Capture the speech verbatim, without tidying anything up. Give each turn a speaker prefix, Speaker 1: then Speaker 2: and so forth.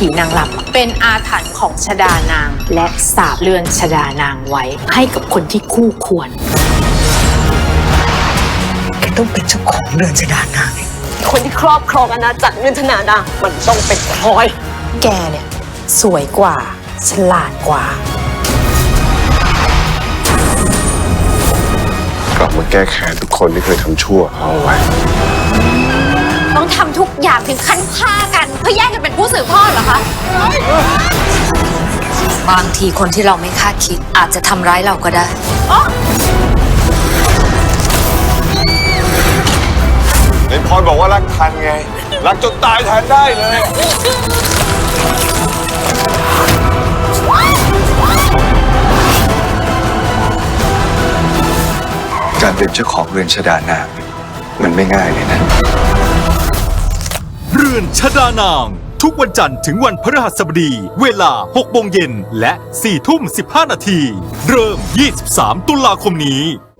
Speaker 1: ผีนางรำเป็นอาถรรพ์ของชดานางและสาปเลือนชดานางไว้ให้กับคนที่คู่ควร
Speaker 2: แกต้องเป็นเจ้าของเรือนชดานาง
Speaker 3: คนที่ครอบครองอาณาจักรเรือนชดานางมันต้องเป็นพลอย
Speaker 1: แกเนี่ยสวยกว่าฉลาดกว่าก
Speaker 4: ลับมาแก้แค้นทุกคนที่เคยทำชั่วเอาไว้
Speaker 5: ต้องทำทุกอย่างถึงขั้นฆ่ากันเพื่อแย่งกันเป็นผู้สืบทอดเหรอคะ
Speaker 6: บางทีคนที่เราไม่คาดคิดอาจจะทำร้ายเราก็ได้
Speaker 4: เห็นพรบอกว่ารักทันไง รักจนตายแทนได้เลย
Speaker 7: การเป็นเจ้าของเรือนชดานางมันไม่ง่ายเลยนะ
Speaker 8: เรือนชดานาง ทุกวันจันทร์ถึงวันพฤหัสบดี เวลาหกโมงเย็นและสี่ทุ่มสิบห้านาที เริ่มยี่สิบสามตุลาคมนี้